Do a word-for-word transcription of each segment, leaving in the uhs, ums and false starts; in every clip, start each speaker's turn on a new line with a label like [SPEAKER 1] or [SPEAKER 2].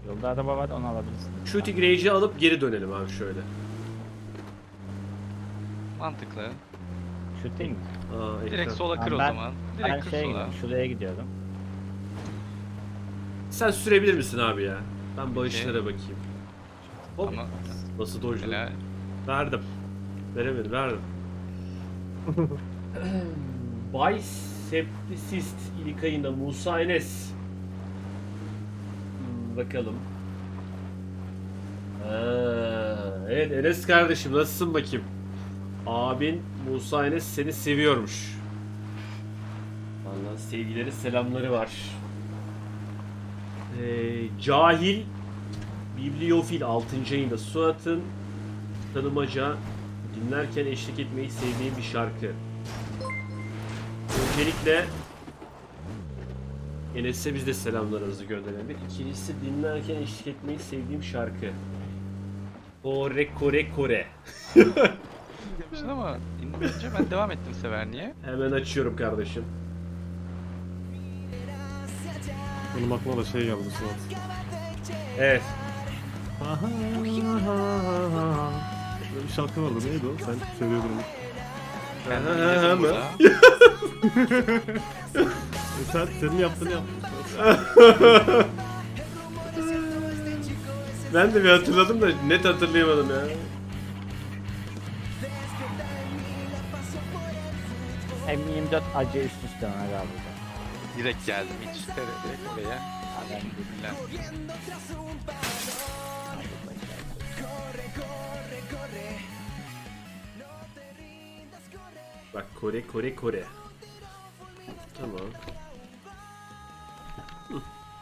[SPEAKER 1] Yolda araba var, onu alabilirsin.
[SPEAKER 2] Shooting range'i alıp geri dönelim abi şöyle.
[SPEAKER 3] Mantıklı.
[SPEAKER 1] Shooting.
[SPEAKER 2] Aa,
[SPEAKER 3] Direkt
[SPEAKER 2] ekran.
[SPEAKER 3] sola kır
[SPEAKER 1] Tamam,
[SPEAKER 3] o
[SPEAKER 1] ben-
[SPEAKER 3] zaman.
[SPEAKER 1] Ben
[SPEAKER 3] Direkt kır
[SPEAKER 1] şeye
[SPEAKER 3] sola.
[SPEAKER 1] gidiyorum, şuraya gidiyorum.
[SPEAKER 2] Sen sürebilir misin abi ya? Ben bağışlara bakayım. Hop.
[SPEAKER 3] Ama
[SPEAKER 2] Nasıl dojladım?
[SPEAKER 3] mesela
[SPEAKER 2] Verdim. Veremedim, verdim. Bisepticist İlkay'ına Musa Enes. Hmm, bakalım. Ha, evet Enes kardeşim nasılsın bakayım? Abin Musa Enes seni seviyormuş. Vallahi sevgileri selamları var. Ee, cahil Bibliofil altıncı ayında Suat'ın tanımaca dinlerken eşlik etmeyi sevdiğim bir şarkı. Öncelikle Enes'e biz de selamlarımızı gönderelim. İkincisi dinlerken eşlik etmeyi sevdiğim şarkı. Kore Kore Kore.
[SPEAKER 3] demiştin ama dinleyince ben devam ettim sever niye?
[SPEAKER 2] Hemen açıyorum kardeşim.
[SPEAKER 4] Benim aklıma da şey geldi Suat.
[SPEAKER 2] Evet.
[SPEAKER 4] Böyle bir şarkı vardı, neydi o? Sen seviyordun onu.
[SPEAKER 3] Kendim
[SPEAKER 2] Ha, ha,
[SPEAKER 3] dinledim
[SPEAKER 2] mı?
[SPEAKER 3] burada.
[SPEAKER 4] E sen, senin yaptığını yaptın.
[SPEAKER 2] Ben de bir hatırladım da net hatırlayamadım ya.
[SPEAKER 1] M yirmi dört acı üst üste ona galiba.
[SPEAKER 3] Direkt geldim hiç. Direkt oraya. Alhamdülillah.
[SPEAKER 2] Bak Kore Kore Kore. Tamam. Hı.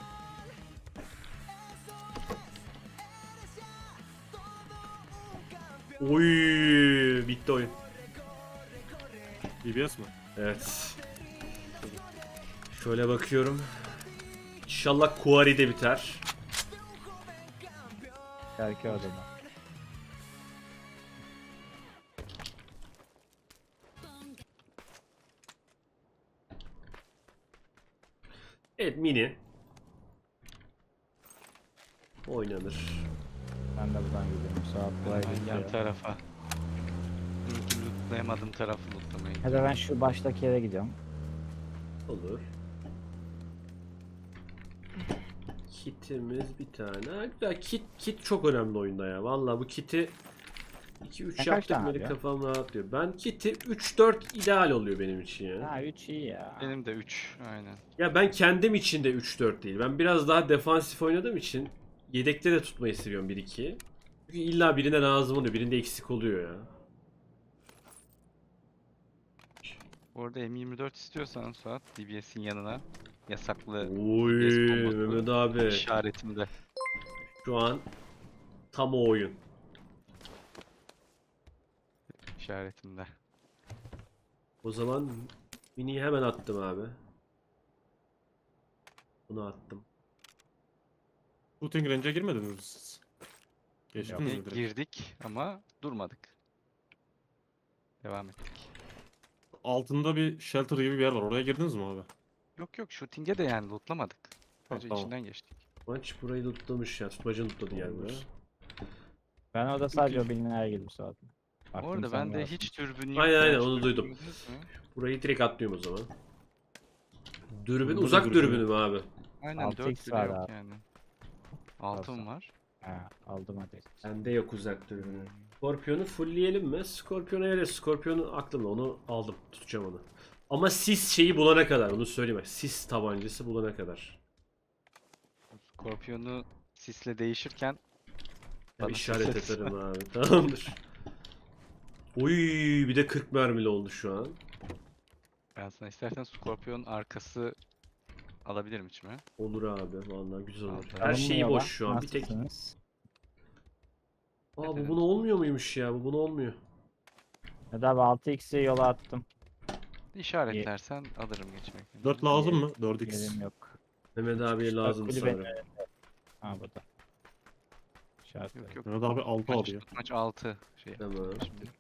[SPEAKER 2] Oy, bitti oyun.
[SPEAKER 4] B B S mi?
[SPEAKER 2] Evet. Şöyle bakıyorum. İnşallah Kuari'de biter.
[SPEAKER 1] Şarkı o zaman.
[SPEAKER 2] Evet mini. Oynanır.
[SPEAKER 1] Ben de buradan gidiyorum. Saat buraya
[SPEAKER 3] Ben yan
[SPEAKER 1] gidiyor.
[SPEAKER 3] tarafa. Mümkün lootlayamadığım tarafı lootlamayı.
[SPEAKER 1] Hadi ben şu baştaki yere gidiyorum.
[SPEAKER 2] Olur. Kitimiz bir tane. Ha, güzel. Kit, kit çok önemli oyunda ya. Vallahi bu kiti iki üç
[SPEAKER 1] Kaç
[SPEAKER 2] yaptık
[SPEAKER 1] tane
[SPEAKER 2] beni
[SPEAKER 1] abi ya?
[SPEAKER 2] kafam rahatlıyor. Ben kiti üç dört ideal oluyor benim için ya.
[SPEAKER 1] Ha üç iyi ya.
[SPEAKER 3] Benim de üç aynen.
[SPEAKER 2] Ya ben kendim için de üç dört değil. Ben biraz daha defansif oynadığım için yedekte de tutmayı seviyorum bir ikiyi. Çünkü illa birine lazım oluyor. Birinde eksik oluyor ya.
[SPEAKER 3] Bu arada M yirmi dört istiyorsan Suat D B S'in yanına yasaklı
[SPEAKER 2] Oy
[SPEAKER 3] D B S kombosu
[SPEAKER 2] Mehmet abi.
[SPEAKER 3] işaretimde.
[SPEAKER 2] Şu an tam o oyun.
[SPEAKER 3] İşaretimde.
[SPEAKER 2] O zaman miniyi hemen attım abi. Bunu attım.
[SPEAKER 4] Shooting range'e girmediniz mi siz? Geçtiniz mi
[SPEAKER 3] E,
[SPEAKER 4] direkt?
[SPEAKER 3] girdik ama durmadık. Devam ettik.
[SPEAKER 4] Altında bir shelter gibi bir yer var. Oraya girdiniz mi abi?
[SPEAKER 3] Yok yok shooting'e de yani lootlamadık. Sadece
[SPEAKER 4] tamam.
[SPEAKER 3] içinden geçtik.
[SPEAKER 2] Maç burayı tutlamış ya. Tutmacını tutladı yani buraya.
[SPEAKER 1] Ben orada sadece o bilinen girdim Suat.
[SPEAKER 3] Bu
[SPEAKER 1] Aklım
[SPEAKER 3] arada
[SPEAKER 1] sende
[SPEAKER 3] bende
[SPEAKER 1] olsun.
[SPEAKER 3] hiç dürbün yok.
[SPEAKER 2] Aynen,
[SPEAKER 3] ya,
[SPEAKER 2] aynen,
[SPEAKER 3] hiç
[SPEAKER 2] onu
[SPEAKER 3] dürbün
[SPEAKER 2] duydum.
[SPEAKER 3] gördünüz mü?
[SPEAKER 2] Burayı direkt atlıyorum o zaman. Dürbün
[SPEAKER 4] Burada da
[SPEAKER 2] uzak
[SPEAKER 4] dürbün
[SPEAKER 2] dürbünü mü abi?
[SPEAKER 3] Aynen
[SPEAKER 1] altı
[SPEAKER 3] dört
[SPEAKER 1] x
[SPEAKER 3] bile
[SPEAKER 1] var
[SPEAKER 3] yok
[SPEAKER 1] abi.
[SPEAKER 3] yani. Altın var.
[SPEAKER 1] Ha, aldım hadi.
[SPEAKER 2] Bende yok uzak dürbünü. Scorpion'u fullleyelim mi? Scorpion'u öyle. Scorpion'u aklımda. Onu aldım. Tutacağım onu. Ama sis şeyi bulana kadar. Onu söyleyeyim bak. Sis tabancası bulana kadar.
[SPEAKER 3] Scorpion'u sisle değişirken
[SPEAKER 2] Ben
[SPEAKER 3] bana
[SPEAKER 2] işaret
[SPEAKER 3] sis
[SPEAKER 2] ederim abi. Tamamdır. Oy bir de kırk mermili oldu şu an.
[SPEAKER 3] ben sana istersen Scorpion arkası alabilirim içime.
[SPEAKER 2] Olur abi. Vallahi güzel olur.
[SPEAKER 3] Aldım.
[SPEAKER 2] Her şeyi
[SPEAKER 1] Alınmıyor
[SPEAKER 2] boş
[SPEAKER 1] lan.
[SPEAKER 2] şu an. Bir tek.
[SPEAKER 1] Nasılsınız?
[SPEAKER 2] Aa bu buna olmuyor muymuş ya? Bu buna olmuyor.
[SPEAKER 1] Hadi abi altı x'i yola attım.
[SPEAKER 3] İşaretlersen alırım geçmek.
[SPEAKER 4] dört lazım mı? dört x.
[SPEAKER 1] Yerim yok.
[SPEAKER 2] Mehmet abiye lazım
[SPEAKER 1] kulübe-
[SPEAKER 2] sanırım.
[SPEAKER 1] Ha burada. İşaret
[SPEAKER 3] Yok yok.
[SPEAKER 4] Mehmet abi altı
[SPEAKER 3] Maç,
[SPEAKER 4] alıyor.
[SPEAKER 3] maç altı şey.
[SPEAKER 2] Tamam.
[SPEAKER 3] Şimdi.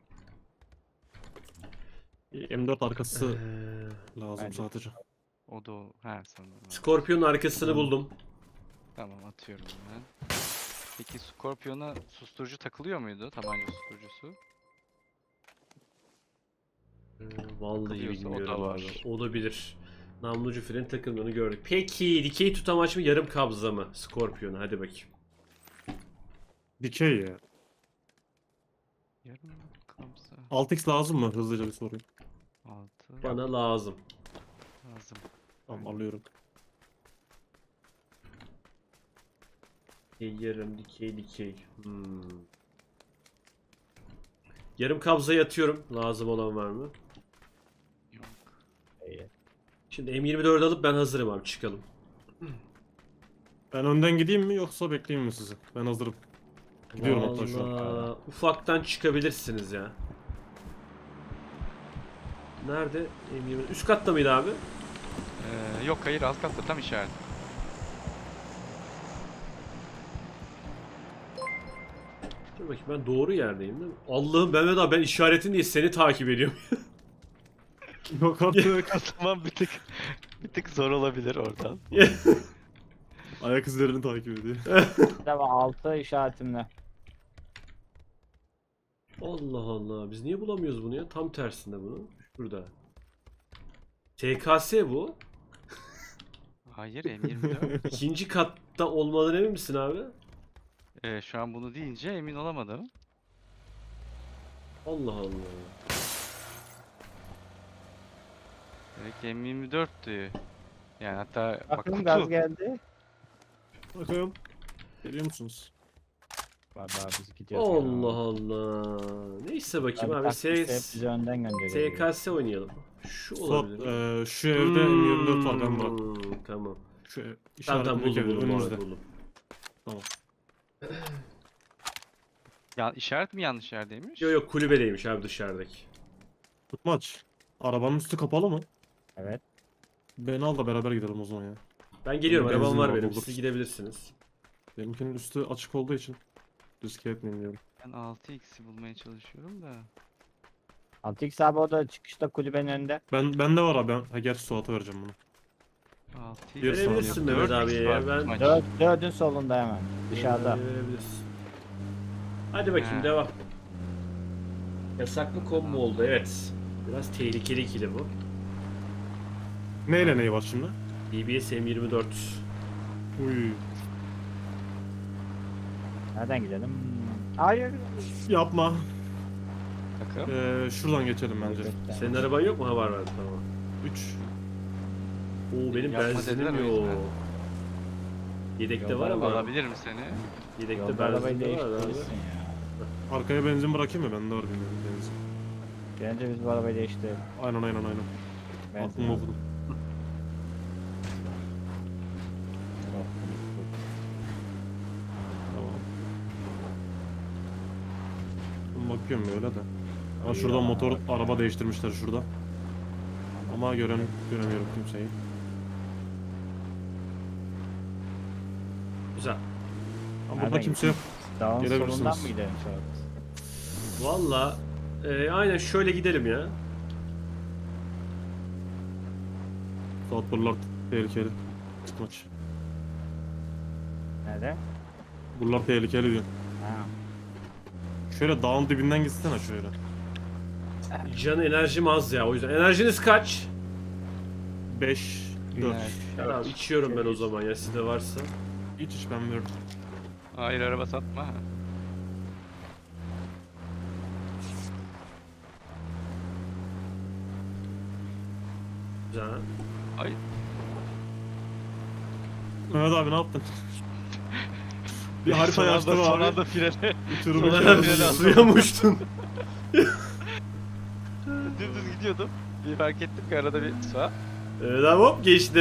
[SPEAKER 4] M dört arkası
[SPEAKER 2] Ee,
[SPEAKER 4] lazım
[SPEAKER 1] bence-
[SPEAKER 4] sadece.
[SPEAKER 3] O da o. Ha sanırım.
[SPEAKER 2] Scorpion'un arkasını buldum.
[SPEAKER 3] Tamam atıyorum ben. Peki Scorpion'a susturucu takılıyor muydu? Tabanca susturucusu.
[SPEAKER 2] Ee, Vallahi
[SPEAKER 3] Takılıyorsa o da
[SPEAKER 2] bilmiyorum
[SPEAKER 3] var.
[SPEAKER 2] abi. Olabilir. Namlucu fren takıldığını gördük. Peki dikey tutamaç mı yarım kabza mı Scorpion'a? Hadi bakayım.
[SPEAKER 4] Dikey ya.
[SPEAKER 3] Yarım kabza.
[SPEAKER 4] altı x lazım mı? Hızlıca bir sorayım.
[SPEAKER 3] altı.
[SPEAKER 2] Bana lazım.
[SPEAKER 3] Lazım.
[SPEAKER 4] Tamam alıyorum.
[SPEAKER 2] Dikey, yarım dikey dikey. Hmm. Yarım kabzayı atıyorum. Lazım olan var mı?
[SPEAKER 3] Yok.
[SPEAKER 1] İyi.
[SPEAKER 2] Şimdi M yirmi dört alıp ben hazırım abi, çıkalım.
[SPEAKER 4] Ben önden gideyim mi yoksa bekleyeyim mi sizi? Ben hazırım. Gidiyorum hatta şu an.
[SPEAKER 2] Vallahi ufaktan çıkabilirsiniz ya. Nerede? M yirmi üst katta mıydı abi?
[SPEAKER 3] Ee, yok hayır alt katta tam işaret.
[SPEAKER 2] Dur bakayım, ben doğru yerdeyim değil mi? Allah'ım Mehmet abi, ben işaretin diye seni takip ediyorum.
[SPEAKER 4] Yok artık.
[SPEAKER 3] O zaman bir tık bir tık zor olabilir oradan.
[SPEAKER 4] Ayak izlerini takip ediyor.
[SPEAKER 1] Tamam altı işaretimle.
[SPEAKER 2] Allah Allah, biz niye bulamıyoruz bunu ya? Tam tersinde bunu. Şurada. T K S bu.
[SPEAKER 3] Hayır M yirmi dört.
[SPEAKER 2] İkinci katta olmadan emin misin abi?
[SPEAKER 3] Ee, şu an bunu deyince emin olamadım.
[SPEAKER 2] Allah Allah.
[SPEAKER 3] Demek ki M yirmi dörttü. Yani hatta bak
[SPEAKER 1] Bakın
[SPEAKER 3] kutu.
[SPEAKER 1] gaz geldi.
[SPEAKER 4] Bakalım. Geliyor musunuz?
[SPEAKER 1] Var var biz gidiyoruz.
[SPEAKER 2] Allah Allah. Neyse bakayım abi. S
[SPEAKER 1] bizi önden gönderiyor.
[SPEAKER 2] T K S oynayalım. Şu
[SPEAKER 4] Suat,
[SPEAKER 2] olabilir.
[SPEAKER 4] eee, şu evde M yirmi dört var, ben bırak.
[SPEAKER 2] Hmm, Tamam.
[SPEAKER 4] Şu ev,
[SPEAKER 2] Tamam tamam,
[SPEAKER 4] işaretindeki
[SPEAKER 2] buldum
[SPEAKER 4] evde
[SPEAKER 2] buldum,
[SPEAKER 4] önümüzde.
[SPEAKER 2] buldum.
[SPEAKER 3] Ya işaret mi yanlış yerdeymiş?
[SPEAKER 2] Yok yok, kulübedeymiş abi, dışarıdaki.
[SPEAKER 4] Tutmaç. Arabanın üstü kapalı mı?
[SPEAKER 1] Evet.
[SPEAKER 4] Beni al da beraber gidelim o zaman ya.
[SPEAKER 2] Ben geliyorum,
[SPEAKER 4] Benzin
[SPEAKER 2] arabam var
[SPEAKER 4] var,
[SPEAKER 2] benim.
[SPEAKER 4] buluruz.
[SPEAKER 2] Siz gidebilirsiniz.
[SPEAKER 4] Benimkinin üstü açık olduğu için riske etmeyeyim diyorum.
[SPEAKER 3] Ben altı x'i bulmaya çalışıyorum da.
[SPEAKER 1] altı x abi o da çıkışta kulübenin önünde.
[SPEAKER 4] Ben bende var abi. Ben, ha gerçi Suat'a vereceğim bunu.
[SPEAKER 3] altı
[SPEAKER 4] Bir saniye.
[SPEAKER 2] Verebilirsin Mehmet abiye ya. Ben
[SPEAKER 1] Dört, dördün solunda hemen. Dışarıda.
[SPEAKER 2] Verebilirsin. Hadi bakayım,
[SPEAKER 3] Ha.
[SPEAKER 2] devam. Yasaklı combo oldu, evet. Biraz tehlikeli ikili bu.
[SPEAKER 4] Neyle neyi var şimdi?
[SPEAKER 2] D B S M yirmi dört.
[SPEAKER 4] Uy.
[SPEAKER 1] Nereden gidelim? Hmm. Hayır.
[SPEAKER 4] Yapma.
[SPEAKER 3] Takım.
[SPEAKER 4] Ee, şuradan geçelim bence.
[SPEAKER 2] Senin araban yok mu? Ha, var var, tamam.
[SPEAKER 4] üç.
[SPEAKER 2] Oo, benim
[SPEAKER 3] Yapma dediler
[SPEAKER 2] benzinim
[SPEAKER 3] o
[SPEAKER 2] yok.
[SPEAKER 3] yüzden.
[SPEAKER 2] Yedekte
[SPEAKER 1] Yolda
[SPEAKER 2] var ama.
[SPEAKER 3] Alabilir mi seni?
[SPEAKER 2] Yedekte
[SPEAKER 1] Yolda arabayı
[SPEAKER 2] benzin de var abi.
[SPEAKER 1] değiştirirsin ya.
[SPEAKER 4] Arkaya benzin bırakayım mı? Bende var bilmiyorum benzin.
[SPEAKER 1] Bence biz bu arabayı değiştirelim.
[SPEAKER 4] Aynen aynen aynen.
[SPEAKER 1] Benzin
[SPEAKER 4] Aklımı
[SPEAKER 1] al.
[SPEAKER 4] okudum. Tamam. Ben bakıyorum böyle de. Ama
[SPEAKER 1] İyi
[SPEAKER 4] şuradan
[SPEAKER 1] ya.
[SPEAKER 4] motor araba değiştirmişler şurada. Ama gören göremiyorum kimseyi.
[SPEAKER 2] Güzel.
[SPEAKER 4] Ama
[SPEAKER 1] Nereden
[SPEAKER 4] burada kimse yok.
[SPEAKER 1] Dağın
[SPEAKER 4] Gelebilirsiniz.
[SPEAKER 1] solundan mı gidelim sonra?
[SPEAKER 2] Valla e, aynen şöyle gidelim ya.
[SPEAKER 4] Saat buralar tehlikeli. Tutmaç.
[SPEAKER 1] Nerede?
[SPEAKER 4] Buralar tehlikeli diyor.
[SPEAKER 1] Ha.
[SPEAKER 4] Şöyle dağın dibinden gitsene şöyle.
[SPEAKER 2] Can enerjim az ya, o yüzden. Enerjiniz kaç?
[SPEAKER 4] beş, dört.
[SPEAKER 3] Evet.
[SPEAKER 2] Tamam, içiyorum ben o zaman ya, sizde varsa.
[SPEAKER 4] Hiç hiç ben verdim.
[SPEAKER 3] Hayır araba satma.
[SPEAKER 2] Güzel.
[SPEAKER 3] Ay
[SPEAKER 4] Mehmet abi ne yaptın? Bir harita
[SPEAKER 3] son anda-
[SPEAKER 4] açtım
[SPEAKER 3] son
[SPEAKER 4] abi.
[SPEAKER 3] anda frene.
[SPEAKER 4] Uçurumu
[SPEAKER 3] Sonra
[SPEAKER 4] çarptım.
[SPEAKER 3] frene aldım.
[SPEAKER 2] Suya mı uçtun?
[SPEAKER 3] Dümdüz gidiyordum. Bir fark ettim ki arada bir sağ.
[SPEAKER 2] Evet abi, hop geçtim.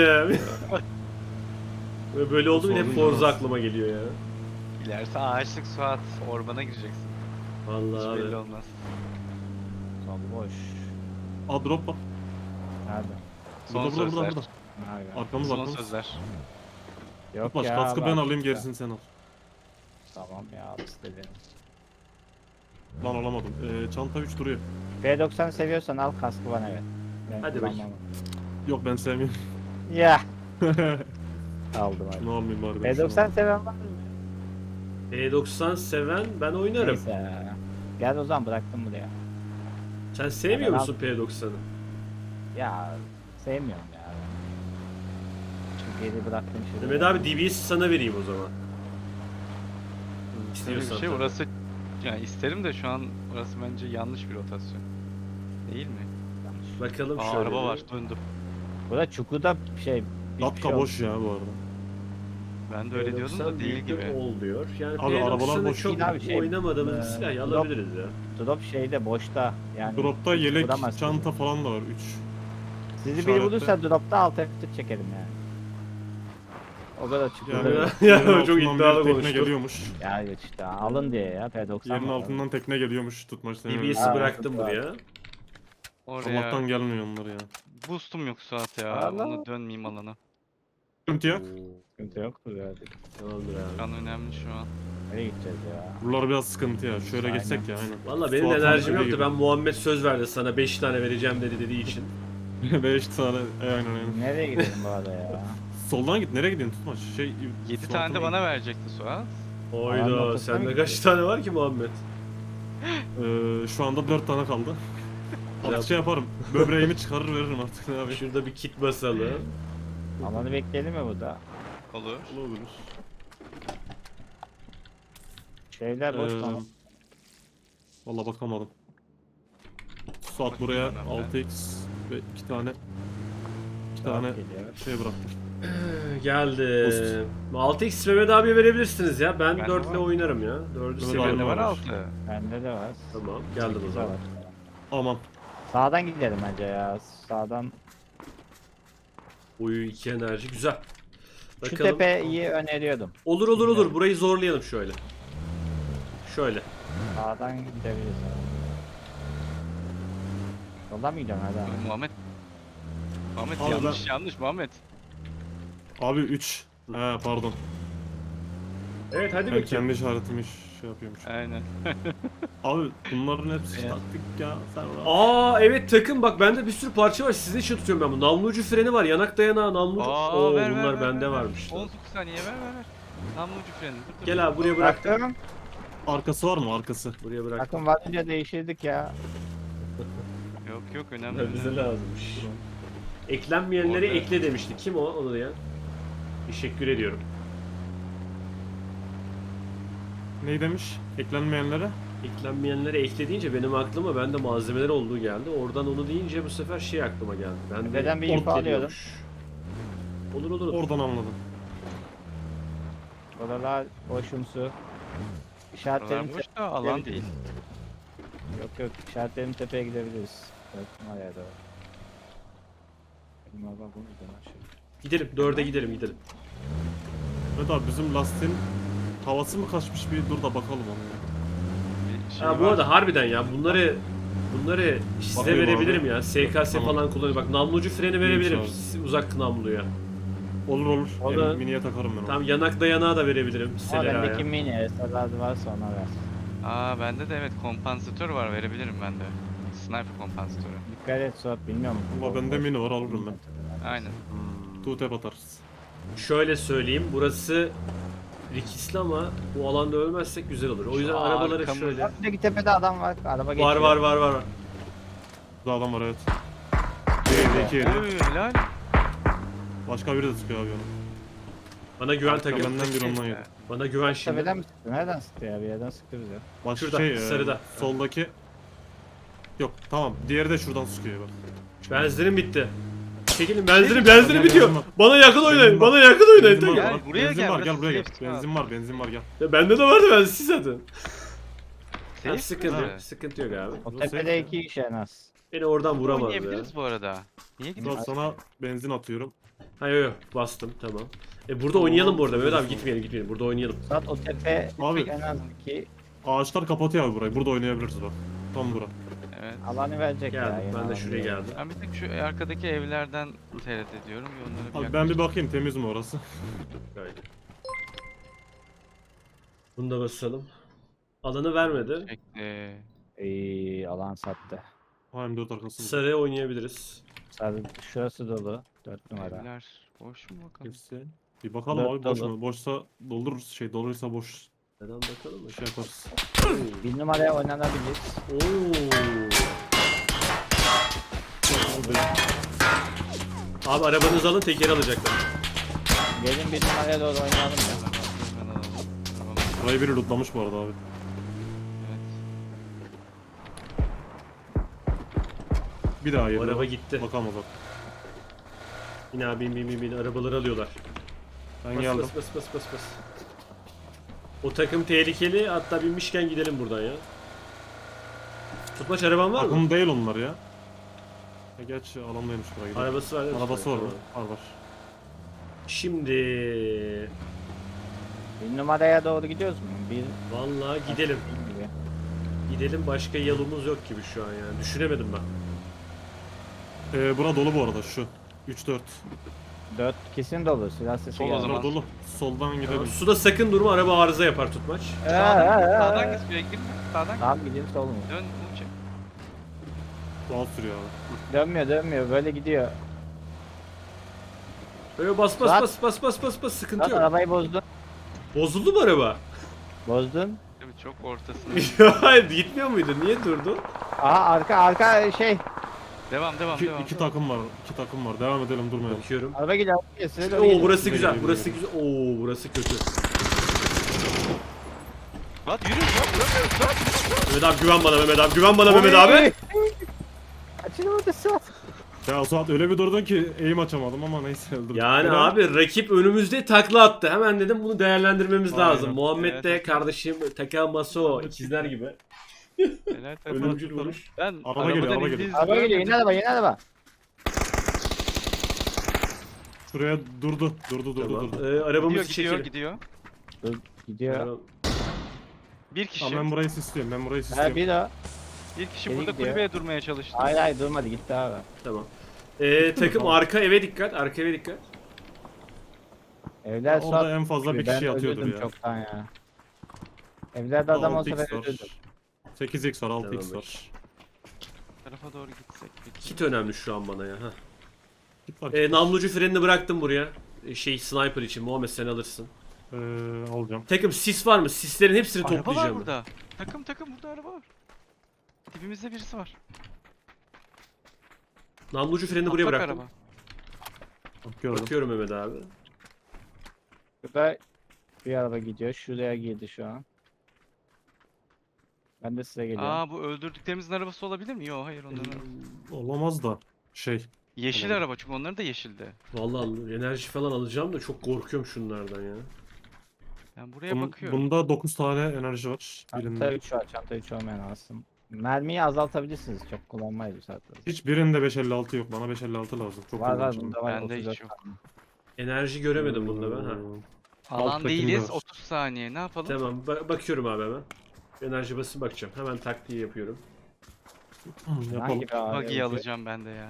[SPEAKER 2] Böyle böyle oldu mu hep
[SPEAKER 4] Sorun
[SPEAKER 2] Forza
[SPEAKER 4] yok.
[SPEAKER 2] aklıma geliyor ya.
[SPEAKER 3] İlerisi ağaçlık Suat. Ormana gireceksin.
[SPEAKER 2] Vallahi
[SPEAKER 3] Hiç belli
[SPEAKER 2] abi.
[SPEAKER 3] olmaz.
[SPEAKER 1] Sol boş.
[SPEAKER 4] Aa drop var.
[SPEAKER 1] Nerede?
[SPEAKER 3] Son
[SPEAKER 4] Burada burada
[SPEAKER 3] sözler.
[SPEAKER 4] burada.
[SPEAKER 1] Nerede?
[SPEAKER 4] Arkamız
[SPEAKER 3] Son
[SPEAKER 4] arkamız.
[SPEAKER 3] sözler.
[SPEAKER 1] Yok
[SPEAKER 4] Tutmaç
[SPEAKER 1] ya.
[SPEAKER 4] kaskı ben
[SPEAKER 1] bak
[SPEAKER 4] alayım
[SPEAKER 1] işte.
[SPEAKER 4] gerisini sen al.
[SPEAKER 1] Tamam ya al istediğini.
[SPEAKER 4] Lan alamadım. Ee, çanta üç duruyor.
[SPEAKER 1] P doksan seviyorsan al kaskı bana ver. Ben
[SPEAKER 2] Hadi
[SPEAKER 1] kullanmam.
[SPEAKER 2] bakayım.
[SPEAKER 4] Yok ben sevmiyorum.
[SPEAKER 1] Ya. aldım hadi.
[SPEAKER 4] Ne yapayım bari?
[SPEAKER 1] P doksan seven var mı?
[SPEAKER 2] P doksan seven ben oynarım.
[SPEAKER 1] Neyse ya. Gel o zaman bıraktım buraya.
[SPEAKER 2] Sen sevmiyor
[SPEAKER 1] Ben
[SPEAKER 2] musun P doksanı?
[SPEAKER 1] Ya sevmiyorum ya. Çünkü geri bıraktım şuraya.
[SPEAKER 2] Mehmet abi D B S'i sana vereyim o zaman.
[SPEAKER 3] Öyle bir
[SPEAKER 2] İstiyorsan
[SPEAKER 3] şey
[SPEAKER 2] tabii.
[SPEAKER 3] orası yani isterim de şu an orası bence yanlış bir rotasyon. Değil mi?
[SPEAKER 2] Bakalım
[SPEAKER 3] Aa,
[SPEAKER 2] şöyle.
[SPEAKER 3] araba
[SPEAKER 2] bir.
[SPEAKER 3] var döndüm.
[SPEAKER 1] Burada çukurda şey... hiçbir
[SPEAKER 4] Datka
[SPEAKER 1] şey
[SPEAKER 4] boş ya bu arada.
[SPEAKER 3] Ben de öyle diyordum da değil gibi.
[SPEAKER 2] Ol diyor. Yani
[SPEAKER 4] Abi, arabalar
[SPEAKER 2] P doksanı
[SPEAKER 4] boş
[SPEAKER 2] çok
[SPEAKER 1] değil abi, şey,
[SPEAKER 2] oynamadığımız bir
[SPEAKER 1] e,
[SPEAKER 2] silah
[SPEAKER 1] drop-
[SPEAKER 2] alabiliriz ya.
[SPEAKER 1] olmuyor. Drop şeyde boşta. Yani
[SPEAKER 4] Dropta
[SPEAKER 1] hiç
[SPEAKER 4] yelek,
[SPEAKER 1] vuramazsın.
[SPEAKER 4] çanta falan da var. üç.
[SPEAKER 1] Sizi biri
[SPEAKER 4] işarette.
[SPEAKER 1] bulursa dropta alt F tır çekerim yani. O kadar çukurda.
[SPEAKER 4] Yani
[SPEAKER 2] Ya,
[SPEAKER 1] Yani,
[SPEAKER 2] ya,
[SPEAKER 4] yerin
[SPEAKER 2] çok
[SPEAKER 4] altından
[SPEAKER 2] iddialı
[SPEAKER 4] bir tekne
[SPEAKER 2] konuştu.
[SPEAKER 4] geliyormuş.
[SPEAKER 1] ya işte alın diye ya P doksan.
[SPEAKER 4] Yerin
[SPEAKER 1] var.
[SPEAKER 4] altından tekne geliyormuş tutmaç.
[SPEAKER 2] D B S'i
[SPEAKER 1] Ha,
[SPEAKER 2] bıraktım
[SPEAKER 1] var.
[SPEAKER 2] buraya.
[SPEAKER 3] Oraya
[SPEAKER 4] Allah'tan gelmiyor onlar ya.
[SPEAKER 3] boostum yok Suat ya.
[SPEAKER 1] Allah.
[SPEAKER 3] Onu dönmeyeyim alana.
[SPEAKER 4] Sıkıntı yok.
[SPEAKER 1] Sıkıntı yoktur ya.
[SPEAKER 2] Tamamdır abi.
[SPEAKER 3] Kan önemli şu an.
[SPEAKER 1] Nereye gideceğiz ya?
[SPEAKER 4] Buralar biraz sıkıntı ya. Şöyle
[SPEAKER 1] Aynen.
[SPEAKER 4] geçsek ya aynen.
[SPEAKER 2] Valla benim
[SPEAKER 4] Suat
[SPEAKER 2] enerjim
[SPEAKER 4] abi
[SPEAKER 2] yoktu.
[SPEAKER 4] gibi.
[SPEAKER 2] Ben Muhammed söz verdi sana beş tane vereceğim dedi dediği için.
[SPEAKER 4] beş tane. E, aynen aynen.
[SPEAKER 1] Nereye gidelim bu arada ya?
[SPEAKER 4] Soldan git. Nereye gidiyorsun tutmaç? Şey,
[SPEAKER 3] yedi
[SPEAKER 4] Suat'ın-
[SPEAKER 3] tane de bana verecekti Suat.
[SPEAKER 2] Oyda
[SPEAKER 1] ortasına
[SPEAKER 2] sende
[SPEAKER 1] mı
[SPEAKER 2] kaç tane var ki Muhammed?
[SPEAKER 4] Ee, şu anda dört tane kaldı.
[SPEAKER 2] Ya-
[SPEAKER 4] Artık şey yaparım. Böbreğimi çıkarır veririm artık ne abi.
[SPEAKER 2] Şurada bir kit basalım.
[SPEAKER 1] Alanı bekleyelim mi burada?
[SPEAKER 3] Olur.
[SPEAKER 4] Olur.
[SPEAKER 1] Şeyler boş
[SPEAKER 4] Ee,
[SPEAKER 1] tamam.
[SPEAKER 4] Valla bakamadım. Suat
[SPEAKER 3] Bakayım
[SPEAKER 4] buraya
[SPEAKER 3] ben hemen.
[SPEAKER 4] altı x ve iki tane iki tane
[SPEAKER 1] Geliyor.
[SPEAKER 4] şey bıraktım.
[SPEAKER 2] Geldi. altı x Mehmet abiye verebilirsiniz ya. Ben
[SPEAKER 3] Bende
[SPEAKER 2] dört ile
[SPEAKER 3] var.
[SPEAKER 2] oynarım ya. dördü
[SPEAKER 4] Mehmet
[SPEAKER 2] seviyorum.
[SPEAKER 3] Bende var
[SPEAKER 4] var.
[SPEAKER 3] altı.
[SPEAKER 1] Bende de var.
[SPEAKER 2] Tamam geldim o
[SPEAKER 1] Sekiz
[SPEAKER 2] zaman.
[SPEAKER 1] var.
[SPEAKER 4] Aman.
[SPEAKER 1] Sağdan gidelim bence ya. Sağdan.
[SPEAKER 2] Uyu iki enerji güzel.
[SPEAKER 1] Şu tepeyi öneriyordum.
[SPEAKER 2] Olur olur olur. Burayı zorlayalım şöyle. Şöyle.
[SPEAKER 1] Sağdan gidebiliriz abi. Soldan mı gidiyorsun hadi abi?
[SPEAKER 3] Muhammed. Muhammed
[SPEAKER 4] Abi
[SPEAKER 3] yanlış yanlış Muhammed.
[SPEAKER 4] Abi üç. He pardon.
[SPEAKER 2] Evet hadi
[SPEAKER 4] Ben
[SPEAKER 2] bakayım.
[SPEAKER 4] kendi işaretimi şey yapıyormuş.
[SPEAKER 3] Aynen.
[SPEAKER 4] Abi bunların hepsi
[SPEAKER 1] Evet.
[SPEAKER 4] taktik ya. Sen rahat.
[SPEAKER 2] Aa evet takım bak bende bir sürü parça var. Sizin için tutuyorum ben bunu. Namlu ucu freni var. Yanak dayanağı, namlu ucu.
[SPEAKER 3] Aa,
[SPEAKER 2] Oo
[SPEAKER 3] ver, ver,
[SPEAKER 2] bunlar
[SPEAKER 3] ver,
[SPEAKER 2] bende
[SPEAKER 3] ver, ver.
[SPEAKER 2] varmış.
[SPEAKER 3] on dokuz saniye ver ver ver. Namlu ucu freni. Dur, dur.
[SPEAKER 2] Gel abi buraya bıraktım.
[SPEAKER 1] Bıraktım.
[SPEAKER 4] Arkası var mı arkası?
[SPEAKER 2] Buraya bıraktım.
[SPEAKER 1] Takım varınca değiştirdik ya.
[SPEAKER 3] Yok yok önemli.
[SPEAKER 2] Ya bize
[SPEAKER 3] önemli.
[SPEAKER 2] lazımmış. Eklenmeyenleri
[SPEAKER 3] Orada-
[SPEAKER 2] ekle demişti. Kim o? Onu ya. Teşekkür ediyorum.
[SPEAKER 4] Neyi demiş? Eklenmeyenlere?
[SPEAKER 2] Eklenmeyenleri ekle deyince benim aklıma bende malzemeler olduğu geldi. Oradan onu deyince bu sefer şey aklıma geldi. Ben de
[SPEAKER 1] Neden bir info
[SPEAKER 2] ekle
[SPEAKER 1] alıyordum.
[SPEAKER 2] diyormuş. Olur olur olur.
[SPEAKER 4] Oradan anladım.
[SPEAKER 1] Oralar boşumsu.
[SPEAKER 3] Buralar
[SPEAKER 1] İşaretlerim
[SPEAKER 3] boş da alan değil.
[SPEAKER 1] Yok yok işaretlerim tepeye gidebiliriz. Dörtüm var ya doğru. Benim araba bu yüzden aşağı.
[SPEAKER 2] Gidelim. Dörde gidelim gidelim.
[SPEAKER 4] Evet abi bizim lastiğin havası mı kaçmış bir dur da bakalım onu.
[SPEAKER 3] Bir şey
[SPEAKER 2] Ha, bu
[SPEAKER 3] var.
[SPEAKER 2] arada harbiden ya bunları bunları size
[SPEAKER 4] Bakayım
[SPEAKER 2] verebilirim
[SPEAKER 4] abi.
[SPEAKER 2] ya. S K S
[SPEAKER 4] Tamam.
[SPEAKER 2] falan kullanıyor. Bak namlucu freni verebilirim.
[SPEAKER 4] abi.
[SPEAKER 2] s- Uzak namluya.
[SPEAKER 4] Olur olur.
[SPEAKER 2] O da-
[SPEAKER 4] Yani miniye takarım ben onu.
[SPEAKER 2] Tam yanak dayanağı da verebilirim.
[SPEAKER 1] Ama
[SPEAKER 2] Selera'ya.
[SPEAKER 1] bendeki mini S L R varsa ona ver.
[SPEAKER 3] Aa bende de evet kompansatör var verebilirim ben de. Sniper kompansatörü.
[SPEAKER 1] Dikkat et Suat bilmiyorum.
[SPEAKER 4] Ama bende mini var alırım ben.
[SPEAKER 3] Aynen.
[SPEAKER 4] Two tap atarız.
[SPEAKER 2] Şöyle söyleyeyim. Burası riskli ama bu alanda ölmezsek güzel olur. O yüzden
[SPEAKER 3] Şu
[SPEAKER 2] arabaları
[SPEAKER 3] arkamız-
[SPEAKER 2] şöyle.
[SPEAKER 1] Buradaki tepede adam var. Araba geçiyor.
[SPEAKER 2] Var var var var. var.
[SPEAKER 4] Burada adam var evet. Bir iki yedi.
[SPEAKER 3] Oy helal.
[SPEAKER 4] Başka biri de sıkıyor abi onu.
[SPEAKER 2] Bana güven
[SPEAKER 4] Arka
[SPEAKER 2] takım.
[SPEAKER 4] benden bir ondan yedi.
[SPEAKER 2] Bana güven şimdi.
[SPEAKER 1] Tepeden mi sıktı? Nereden sıktı ya? Bir yerden sıktı bize.
[SPEAKER 4] Başka
[SPEAKER 2] Şurada,
[SPEAKER 4] şey e,
[SPEAKER 2] sarıda.
[SPEAKER 4] soldaki. Yok tamam diğeri de şuradan sıkıyor bak.
[SPEAKER 2] Benzinim bitti. Çekilin benzinim
[SPEAKER 3] Şey-
[SPEAKER 2] benzinim
[SPEAKER 4] Gel,
[SPEAKER 2] bitiyor.
[SPEAKER 4] benzin var.
[SPEAKER 2] Bana yakın oynayın.
[SPEAKER 4] Benzin var.
[SPEAKER 2] Bana yakın oynayın.
[SPEAKER 4] Benzin var,
[SPEAKER 2] Gel.
[SPEAKER 3] Gel,
[SPEAKER 4] bak,
[SPEAKER 3] buraya
[SPEAKER 4] benzin
[SPEAKER 3] gel,
[SPEAKER 4] var
[SPEAKER 3] burası
[SPEAKER 4] gel buraya gel.
[SPEAKER 3] safe,
[SPEAKER 4] Benzin var benzin var gel.
[SPEAKER 2] Ya bende de vardı ben siz zaten.
[SPEAKER 3] Safe
[SPEAKER 2] Ha, sıkıntı yok.
[SPEAKER 3] mi?
[SPEAKER 2] Sıkıntı yok abi.
[SPEAKER 1] O
[SPEAKER 4] Bu
[SPEAKER 1] tepede
[SPEAKER 4] safe
[SPEAKER 1] iki kişi en az.
[SPEAKER 2] Beni oradan vuramaz ya.
[SPEAKER 3] Oynayabiliriz bu arada. Niye
[SPEAKER 4] Dur
[SPEAKER 3] gidiyorsun?
[SPEAKER 4] sana benzin atıyorum.
[SPEAKER 2] Ha yok yok bastım tamam. E burada oynayalım bu arada Mehmet abi gitmeyelim gitmeyelim burada oynayalım.
[SPEAKER 1] Suat o tepe
[SPEAKER 4] Abi.
[SPEAKER 1] en az iki
[SPEAKER 4] Ağaçlar kapatıyor abi burayı. Burada oynayabiliriz bak. Tam bura.
[SPEAKER 3] Evet.
[SPEAKER 1] alanı verecek ya.
[SPEAKER 2] Geldim
[SPEAKER 1] yine
[SPEAKER 2] ben de
[SPEAKER 1] alanı
[SPEAKER 2] şuraya
[SPEAKER 1] verecek.
[SPEAKER 2] geldim.
[SPEAKER 3] Ben bir tek şu arkadaki evlerden tereddüt ediyorum. Bir onlara bir
[SPEAKER 4] Abi ben bir
[SPEAKER 3] yaklaşayım.
[SPEAKER 4] bakayım temiz mi orası?
[SPEAKER 2] Gayet. Bunu da basalım. Alanı vermedi.
[SPEAKER 3] Bekle.
[SPEAKER 1] İyi alan sattı.
[SPEAKER 4] Ha M dört arkasında.
[SPEAKER 2] Sarıya oynayabiliriz.
[SPEAKER 1] Sarı, şurası dolu. Dört numara.
[SPEAKER 3] Evler boş mu bakalım?
[SPEAKER 4] Hepsi. Bir bakalım
[SPEAKER 1] Dört
[SPEAKER 4] abi boş
[SPEAKER 1] dolu.
[SPEAKER 4] mu? Boşsa doldururuz. Şey doluysa boş
[SPEAKER 2] Neden bakalım mı?
[SPEAKER 4] şey yaparız.
[SPEAKER 1] Bir numaraya oynanabilir.
[SPEAKER 2] Oo. Abi arabanızı alın, tekeri alacaklar.
[SPEAKER 1] Gelin bir numaraya doğru oynayalım ya.
[SPEAKER 3] Hemen alalım. Arabamı.
[SPEAKER 4] Burayı biri lootlamış bu arada abi.
[SPEAKER 3] Evet.
[SPEAKER 4] Bir daha
[SPEAKER 2] Bu
[SPEAKER 4] yedi.
[SPEAKER 2] araba gitti.
[SPEAKER 4] Bakalım o zaman.
[SPEAKER 2] Yine abi bin bin bin bin arabaları alıyorlar.
[SPEAKER 4] Ben
[SPEAKER 2] Bas
[SPEAKER 4] geldim.
[SPEAKER 2] bas bas bas bas bas. O takım tehlikeli, hatta binmişken gidelim buradan ya. Tutmaç araban var mı?
[SPEAKER 4] Takım değil onlar ya. E geç alandaymış buraya gidelim.
[SPEAKER 2] Arabası var değil mi?
[SPEAKER 4] Arabası var mı?
[SPEAKER 2] Tamam.
[SPEAKER 4] Var var.
[SPEAKER 2] Şimdi
[SPEAKER 1] Bir numaraya doğru gidiyoruz mu? Bir
[SPEAKER 2] vallahi gidelim.
[SPEAKER 1] gibi.
[SPEAKER 2] Gidelim, başka yolumuz yok gibi şu an yani. Düşünemedim ben.
[SPEAKER 4] Ee, bura dolu bu arada şu. üç dört.
[SPEAKER 1] Dört kesin dolu. Silah sesi
[SPEAKER 3] Sol o
[SPEAKER 1] geldi.
[SPEAKER 3] zaman.
[SPEAKER 4] Bura dolu. Soldan gidelim.
[SPEAKER 2] Suda sakın durma, araba arıza yapar Tutmaç.
[SPEAKER 1] Ee,
[SPEAKER 3] Sağdan,
[SPEAKER 1] ee, ee.
[SPEAKER 3] sağdan git, suya girme. Sağdan git.
[SPEAKER 1] Tamam gidelim sol mu?
[SPEAKER 3] Dön, uç.
[SPEAKER 4] Doğal sürüyor abi.
[SPEAKER 1] Dönmüyor dönmüyor böyle gidiyor.
[SPEAKER 2] Böyle bas bas
[SPEAKER 1] Suat.
[SPEAKER 2] bas bas bas bas bas, sıkıntı
[SPEAKER 1] Lan
[SPEAKER 2] yok.
[SPEAKER 1] arabayı bozdun.
[SPEAKER 2] Bozuldu mu araba?
[SPEAKER 1] Bozdun.
[SPEAKER 3] Tabii çok ortasında.
[SPEAKER 2] Ya gitmiyor muydu? Niye durdu?
[SPEAKER 1] Aha arka arka şey.
[SPEAKER 3] Devam, devam,
[SPEAKER 4] İki,
[SPEAKER 3] devam.
[SPEAKER 4] iki takım var. iki takım var. Devam edelim durmayalım.
[SPEAKER 2] Bakıyorum.
[SPEAKER 1] Araba gidiyor. araba gidiyor, size doğru
[SPEAKER 2] Oo
[SPEAKER 1] gidiyor.
[SPEAKER 2] burası güzel,
[SPEAKER 4] Geliyor,
[SPEAKER 2] burası
[SPEAKER 4] geliyor.
[SPEAKER 2] güzel. Oo burası kötü.
[SPEAKER 3] Lan yürü, lan vuramıyoruz lan.
[SPEAKER 2] Mehmet abi güven bana, Mehmet abi güven bana Mehmet abi.
[SPEAKER 1] Açılmadı Suat.
[SPEAKER 4] Ya Suat öyle bir durdun ki eğim açamadım ama neyse öldürdüm.
[SPEAKER 2] Yani
[SPEAKER 4] Helal.
[SPEAKER 2] abi rakip önümüzde takla attı. Hemen dedim bunu değerlendirmemiz
[SPEAKER 4] Aynen.
[SPEAKER 2] lazım. Muhammed
[SPEAKER 3] Evet,
[SPEAKER 2] de
[SPEAKER 3] evet.
[SPEAKER 2] kardeşim Takamaso ikizler gibi.
[SPEAKER 3] Helal takım.
[SPEAKER 2] Ölümcül vuruş.
[SPEAKER 3] Ben
[SPEAKER 4] Araba geliyor,
[SPEAKER 3] arabadan
[SPEAKER 4] araba
[SPEAKER 3] indiğinizi
[SPEAKER 4] geliyor.
[SPEAKER 1] Araba geliyor yeni
[SPEAKER 3] görmedim.
[SPEAKER 1] araba yeni araba.
[SPEAKER 4] Şuraya durdu. Durdu durdu
[SPEAKER 2] Tamam.
[SPEAKER 4] durdu.
[SPEAKER 2] Ee, arabamızı
[SPEAKER 3] Gidiyor,
[SPEAKER 2] çekelim.
[SPEAKER 3] gidiyor, gidiyor.
[SPEAKER 1] Dur, gidiyor.
[SPEAKER 2] Araba-
[SPEAKER 3] Bir kişi,
[SPEAKER 4] Tamam ben burayı istiyorum. Ben burayı
[SPEAKER 1] Ha
[SPEAKER 4] istiyorum.
[SPEAKER 1] bir o.
[SPEAKER 3] bir kişi
[SPEAKER 1] Geri
[SPEAKER 3] burada
[SPEAKER 1] gidiyor.
[SPEAKER 3] kulübeye durmaya çalıştı.
[SPEAKER 1] Hayır hayır durmadı gitti abi.
[SPEAKER 2] Tamam. Ee, takım arka eve dikkat, arka eve dikkat.
[SPEAKER 1] Evler
[SPEAKER 4] Orada
[SPEAKER 1] Suat.
[SPEAKER 4] en fazla bir
[SPEAKER 1] Ben
[SPEAKER 4] kişi yatıyordur
[SPEAKER 1] öldürdüm
[SPEAKER 4] ya.
[SPEAKER 1] çoktan ya. Evlerde adam olsa ben
[SPEAKER 4] altı x
[SPEAKER 1] öldürdüm.
[SPEAKER 4] var. sekiz x var, altı x
[SPEAKER 2] Tamam,
[SPEAKER 4] var.
[SPEAKER 3] Bu tarafa doğru gitsek peki.
[SPEAKER 2] Kit önemli şu an bana ya. Heh.
[SPEAKER 4] Git bak.
[SPEAKER 2] Ee, namlucu frenini bıraktım buraya. Ee, Şey sniper için. Muhammed sen alırsın.
[SPEAKER 4] Ee, alacağım.
[SPEAKER 2] Takım sis var mı? Sislerin hepsini
[SPEAKER 3] Araba var
[SPEAKER 2] toplayacağım. ben.
[SPEAKER 3] burada. Takım takım burada araba var. Dibimizde birisi var.
[SPEAKER 2] Namlucu freni buraya
[SPEAKER 3] Patlak
[SPEAKER 2] bıraktım.
[SPEAKER 3] araba.
[SPEAKER 4] Bak gördüm.
[SPEAKER 2] Bakıyorum Mehmet abi.
[SPEAKER 1] Şurada bir araba gidiyor. Şuraya girdi şu an. Ben de size geliyorum.
[SPEAKER 3] Aa bu öldürdüklerimizin arabası olabilir mi? Yok hayır onların arabası.
[SPEAKER 4] Olamaz da. Şey.
[SPEAKER 3] Yeşil
[SPEAKER 4] Tamam.
[SPEAKER 3] araba çünkü onların da yeşildi.
[SPEAKER 2] Vallahi enerji falan alacağım da çok korkuyorum şunlardan ya.
[SPEAKER 3] Ben buraya
[SPEAKER 4] Bun-
[SPEAKER 3] bakıyorum.
[SPEAKER 4] bunda dokuz tane enerji var.
[SPEAKER 1] Çanta
[SPEAKER 4] Birinde.
[SPEAKER 1] üç var. Çanta üç olmayan alsın. Mermiyi azaltabilirsiniz. Çok kullanmayız bu saatte.
[SPEAKER 4] Hiç birinde beş elli altı yok. Bana beş elli altı lazım. Çok
[SPEAKER 1] Var var
[SPEAKER 4] kullanacağım.
[SPEAKER 1] bunda var.
[SPEAKER 3] Bende hiç
[SPEAKER 1] otuz dört
[SPEAKER 3] yok.
[SPEAKER 1] tane.
[SPEAKER 2] Enerji göremedim bunda ben ha.
[SPEAKER 4] Ee,
[SPEAKER 3] Alan
[SPEAKER 4] alttakinde
[SPEAKER 3] değiliz.
[SPEAKER 4] var.
[SPEAKER 3] otuz saniye. Ne yapalım?
[SPEAKER 2] Tamam ba- bakıyorum abi hemen. Enerji basıp bakacağım. Hemen taktiği yapıyorum.
[SPEAKER 4] Yapalım.
[SPEAKER 1] Hangi bir ağrı
[SPEAKER 3] Buggy'yi
[SPEAKER 1] yapıyor?
[SPEAKER 3] alacağım ben de ya.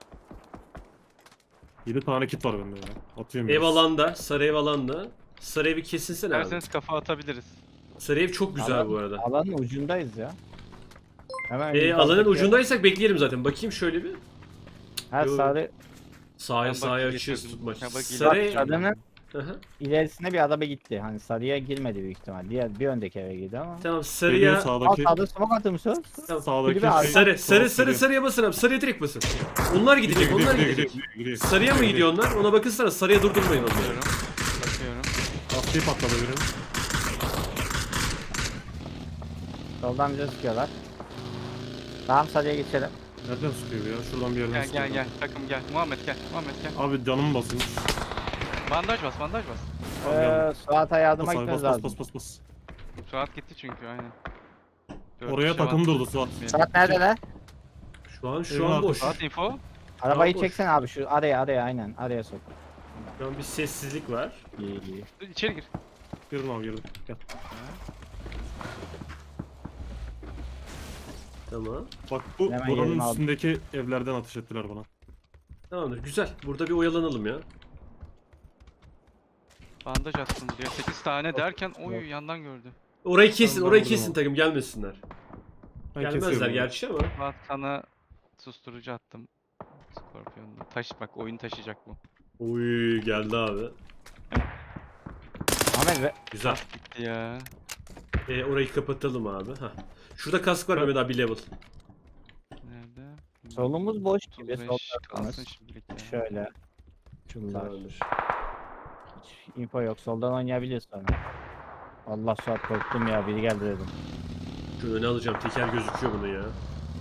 [SPEAKER 4] yedi tane kit var bende ya. Atıyorum
[SPEAKER 2] Ev
[SPEAKER 4] biraz.
[SPEAKER 2] alanda, sarı ev alanda. Sarı evi kesinsene abi.
[SPEAKER 3] İsterseniz kafa atabiliriz.
[SPEAKER 2] Sarı ev çok güzel
[SPEAKER 1] Alan-
[SPEAKER 2] bu arada.
[SPEAKER 1] Alanın ucundayız ya. Hemen
[SPEAKER 2] Ee,
[SPEAKER 1] yukarıdaki-
[SPEAKER 2] alanın ucundaysak bekleyelim zaten. Bakayım şöyle bir.
[SPEAKER 1] Her
[SPEAKER 2] Yo.
[SPEAKER 1] sarı
[SPEAKER 2] Sağa
[SPEAKER 3] Ben
[SPEAKER 2] sağa
[SPEAKER 3] bakayım,
[SPEAKER 2] açıyoruz
[SPEAKER 3] getirdim.
[SPEAKER 2] tutmaç.
[SPEAKER 3] Ya bak,
[SPEAKER 2] Sarı ev...
[SPEAKER 1] sarının
[SPEAKER 2] Hı hı.
[SPEAKER 1] ilerisine bir araba gitti. Hani sarıya girmedi büyük ihtimal. Diğer bir öndeki eve girdi ama.
[SPEAKER 2] Tamam
[SPEAKER 4] Geliyor
[SPEAKER 2] sarıya...
[SPEAKER 1] Al
[SPEAKER 4] sağdaki.
[SPEAKER 1] sağda smoke atır mısın?
[SPEAKER 2] Tamam.
[SPEAKER 4] Sağdaki
[SPEAKER 1] Kulübe
[SPEAKER 4] şey-
[SPEAKER 1] arka-
[SPEAKER 2] Sarı, sarı,
[SPEAKER 4] Doğru
[SPEAKER 2] sarı,
[SPEAKER 4] söylüyor.
[SPEAKER 2] sarıya basın abi. Sarıya direkt basın. Onlar gidecek,
[SPEAKER 4] Gidiyor,
[SPEAKER 2] onlar
[SPEAKER 4] gidiyor,
[SPEAKER 2] gidecek.
[SPEAKER 4] gidiyor, gidiyor.
[SPEAKER 2] Sarıya mı gidiyor onlar? Ona bakınsana. Sarıya durdurmayın onları.
[SPEAKER 3] Bakıyorum. Bakıyorum.
[SPEAKER 4] Lastiği patladı birinin.
[SPEAKER 1] Soldan bize sıkıyorlar. Tamam sarıya geçelim.
[SPEAKER 4] Nereden sıkıyor bu ya? Şuradan bir yerden
[SPEAKER 3] Gel
[SPEAKER 4] sıkıyor.
[SPEAKER 3] gel gel. Takım gel. Muhammed gel. Muhammed gel.
[SPEAKER 4] Abi canım basın.
[SPEAKER 3] Bandaj bas, bandaj bas.
[SPEAKER 1] Ee, Suat'a yardıma
[SPEAKER 4] Bas abi,
[SPEAKER 1] gitmemiz
[SPEAKER 4] bas bas
[SPEAKER 1] lazım.
[SPEAKER 4] bas bas bas.
[SPEAKER 3] Suat gitti çünkü aynen. Dört
[SPEAKER 4] Oraya
[SPEAKER 3] kişi
[SPEAKER 4] takım
[SPEAKER 3] var.
[SPEAKER 4] durdu Suat.
[SPEAKER 1] Suat neredeler?
[SPEAKER 2] Şu an şu
[SPEAKER 4] Evin
[SPEAKER 2] an boş.
[SPEAKER 4] arkası.
[SPEAKER 3] Suat info.
[SPEAKER 1] Arabayı
[SPEAKER 2] boş.
[SPEAKER 1] çeksen abi şu araya araya aynen araya sok.
[SPEAKER 2] Şu an bir sessizlik var.
[SPEAKER 1] İyi iyi.
[SPEAKER 3] Dur, İçeri gir.
[SPEAKER 4] Girdim abi girdim. Gel.
[SPEAKER 2] Tamam.
[SPEAKER 4] Bak bu
[SPEAKER 1] Hemen
[SPEAKER 4] buranın
[SPEAKER 1] yerimi aldım.
[SPEAKER 4] üstündeki evlerden ateş ettiler bana.
[SPEAKER 2] Tamamdır. Güzel. Burada bir oyalanalım ya.
[SPEAKER 3] Bandaj attım diyor. sekiz tane derken oy
[SPEAKER 1] yok.
[SPEAKER 3] yandan gördü.
[SPEAKER 2] Orayı kesin,
[SPEAKER 4] Tamam,
[SPEAKER 2] orayı
[SPEAKER 4] ben
[SPEAKER 2] kesin
[SPEAKER 4] vurdum.
[SPEAKER 2] takım gelmesinler.
[SPEAKER 4] Ben
[SPEAKER 2] Gelmezler
[SPEAKER 4] kesiyorum.
[SPEAKER 2] gerçi ama.
[SPEAKER 3] Suat sana susturucu attım. Scorpion'da. Taş bak oyun taşıyacak bu.
[SPEAKER 2] Uy geldi abi.
[SPEAKER 1] Ahmet ve
[SPEAKER 2] Güzel.
[SPEAKER 3] Gitti ya.
[SPEAKER 2] E, orayı kapatalım abi. Hah. Şurada kask var Mehmet abi bir level.
[SPEAKER 3] Nerede?
[SPEAKER 1] solumuz boş gibi.
[SPEAKER 3] otuz
[SPEAKER 1] Sol
[SPEAKER 3] beş
[SPEAKER 1] tarafımız.
[SPEAKER 3] kalsın şimdilik ya.
[SPEAKER 1] Şöyle. Şunlar.
[SPEAKER 2] Tamamdır.
[SPEAKER 1] Hiç info yok. Soldan oynayabiliriz sonra. Allah Suat korktum ya. Biri geldi dedim.
[SPEAKER 2] Şu öne alacağım. Teker gözüküyor bunun ya.